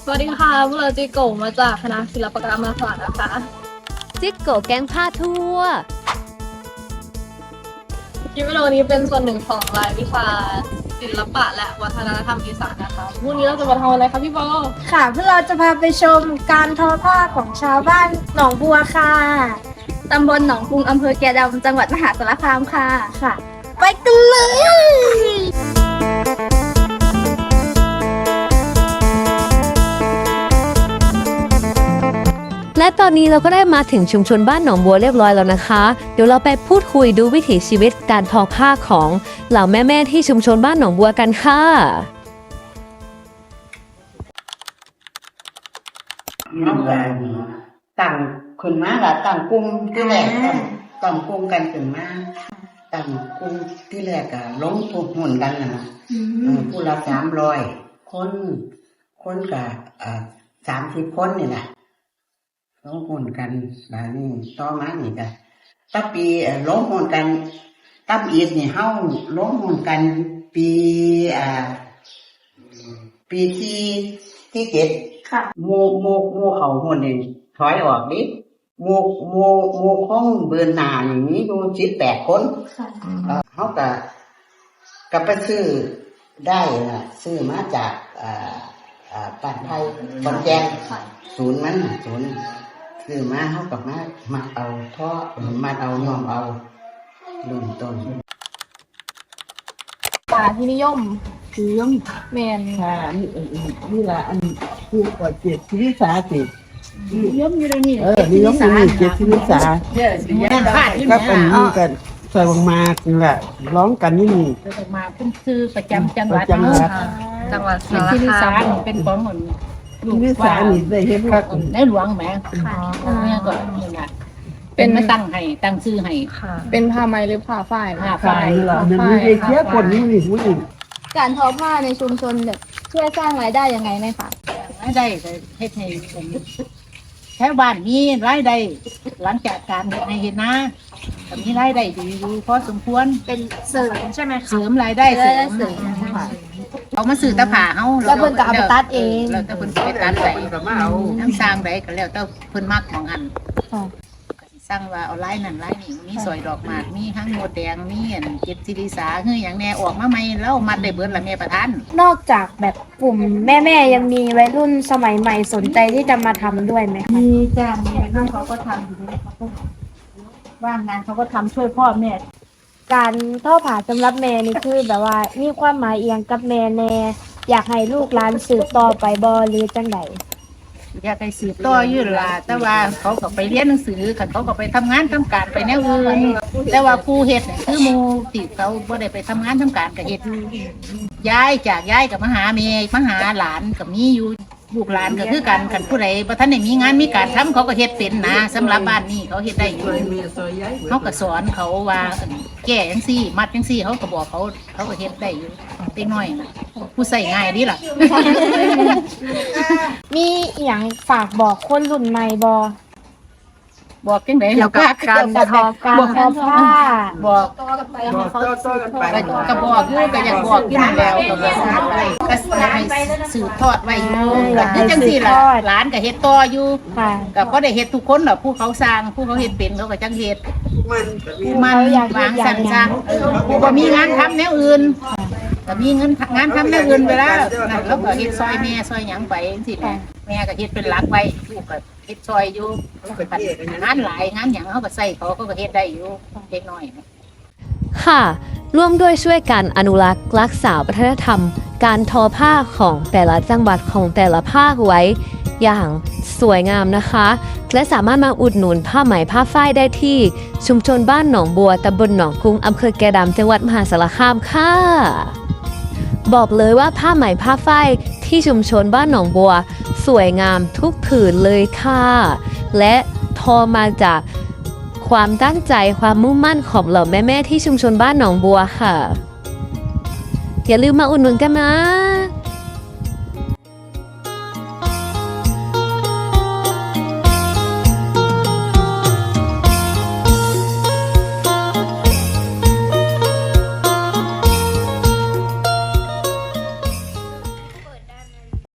สวัสดีค่ะพวกเราจิโกะมาจากคณะศิลปกรรมศาสตร์นะคะจิโกะแก๊งผ้าทั่วคลิปวิดีโอนี้เป็นส่วนหนึ่งของรายวิชาศิลปะและวัฒนธรรมอีสานนะคะวันนี้เราจะมาทำอะไรคะพี่โบค่ะพวกเราจะพาไปชมการทอผ้าของชาวบ้านหนองบัวค่ะตำบลหนองกรุงอำเภอแกดำจังหวัดมหาสารคามค่ะไปกันเลยและตอนนี้เราก็ได้มาถึงชุมชนบ้านหนองบัวเรียบร้อยแล้วนะคะเดี๋ยวเราไปพูดคุยดูวิถีชีวิตการทอผ้าของเหล่าแม่ๆที่ชุมชนบ้านหนองบัวกันค่ะน้องกันต่างขึ้นมาละต่างกลุ่มที่แรกต่างกลุ่มกันขึ้นมาต่างกลุ่มที่แรกอะล้มทุกหุ่นกันนะผู้ละ300 คนกับ30 คนนี่แหละล้มหุ่นกันแล้วนี่ต่อมานี่จ้ะตั้งปีล้มหุ่นกันตั้งอีกนี่เฮาล้มหุ่นกันปีที่7 ค่ะโมเขาหุ่นนี่ถอยออกดิโมของเบือนหน้าอย่างนี้ดู18 คนเขาก็ไปซื้อได้นะซื้อมาจากป่านไทยบอนแจงศูนย์ซื้อมาเขากับมาเอาท่อมาเอาย่อมเอาลุ่มต้นป่าที่นิยมแมนนี่แหละอันผู้ก่อเจ็ดชีวิตสาสินิยมอยู่ในนี้นิยมอยู่นี่เจ็ดชีวิตสาก็เป็นนี่กันใส่บางมานี่แหละร้องกันนี่ใส่บางมาขึ้นชื่อประจำจังหวัดจังหวัดสารที่นิสาคามเป็นของเหมือนลูกชีวิตสานี่ได้เห็นคักในหลวงแหมเนี่ยก็นี่แหละเป็นมาตั้งชื่อให้เป็นผ้าไหมหรือผ้าฝ้ายผ้าฝ่ายนี่แหละมันมีเชี่ยคนนี่นี่ผู้หญิงการทอผ้าในชุมชนแบบช่วยสร้างรายได้ยังไงไหมคะรายได้เฮ็ดให้แถวบ้านมีรายได้หลังจากการให้เห็นนะแต่มีรายได้ดีอยู่พอสมควรเป็นเสริมใช่ไหมคะเสริมรายได้เสริมเอามาซื้อตะผ่าเฮาแล้วเพิ่นก็เอาไปตัดเองแล้วแต่เพิ่นไปตัดได้น้ำสร้างได้ก็แล้วแต่เพิ่นมักของอันสร้างว่าเอาลายนั่นลายนี่มีสอยดอกหมากมีทั้งโมดแดงมีอันเก็บศิริสาคืออย่างแน่ออกมาใหม่แล้วมัดได้เบิดละแม่ประธานนอกจากแบบกลุ่มแม่ยังมีวัยรุ่นสมัยใหม่สนใจที่จะมาทำด้วยไหมมีจ้ามีวัยรุ่นเขาก็ทำอยู่เขาก็ว่างงานเขาก็ทำช่วยพ่อแม่การทอผ้าสำหรับแม่นี่คือแบบว่ามีความหมายเอียงกับแม่แน่อยากให้ลูกหลานสืบต่อไปบ่หรือจังใดอยากให้สืบต่ออยู่ล่ะแต่ว่าเขาก็ไปเรียนหนังสือเขาก็ไปทำงานทำการไปแนวอื่นแต่ว่าผู้เฮ็ดคือหมู่ที่เขาบ่ได้ไปทำงานทำการก็เฮ็ดย้ายกับมาหาแม่มาหาหลานก็มีอยู่ลูกหลานก็คือกันคันผู้ใดบ่ทันได้มีงานมีการทำเขาก็เฮ็ดเป็นนะสำหรับบ้านนี้เขาเฮ็ดได้อยู่เขาก็สอนเขาว่าแก้จังซี่มัดจังซี่เขาก็บอกเขาก็เฮ็ดได้อยู่เล็กน้อยน่ะผู้ใส่ง่ายดีล่ะมีอีหยังฝากบอกคนรุ่นใหม่บ่บอกจังได๋แล้วก็การทอผ้าบอกก็บอกอยู่ก็อยากบอกอยู่นั่นแล้วก็ให้สืบทอดไว้อยู่ก็คือจังซี่ล่ะหลานก็เฮ็ดต่ออยู่ก็บ่ได้เฮ็ดทุกคนหรอกผู้เขาสร้างผู้เขาเฮ็ดเป็นเขาก็จังเฮ็ดมันวางสร้างผู้บ่มีงานทำแนวอื่นก็มีเงินงานทำแนวอื่นไปแล้วนั่นแล้วก็เฮ็ดซอยแม่ซอยหยังไปจังซี่แม่ก็เฮ็ดเป็นหลักไว้ลูกก็เฮ็ดซอยอยู่งานหลายงานหยังเขาก็ใส่เขาก็เฮ็ดได้อยู่เล็กน้อยค่ะร่วมด้วยช่วยกันอนุรักษ์รักษาวัฒนธรรมการทอผ้าของแต่ละจังหวัดของแต่ละภาคไว้อย่างสวยงามนะคะและสามารถมาอุดหนุนผ้าไหมผ้าฝ้ายได้ที่ชุมชนบ้านหนองบัวตำบลหนองกรุงอำเภอแกดำจังหวัดมหาสารคามค่ะบอกเลยว่าผ้าไหมผ้าฝ้ายที่ชุมชนบ้านหนองบัวสวยงามทุกผืนเลยค่ะและทอมาจากความตั้งใจความมุ่งมั่นของเหล่าแม่ๆที่ชุมชนบ้านหนองบัวค่ะอย่าลืมมาอุดหนุนกันนะ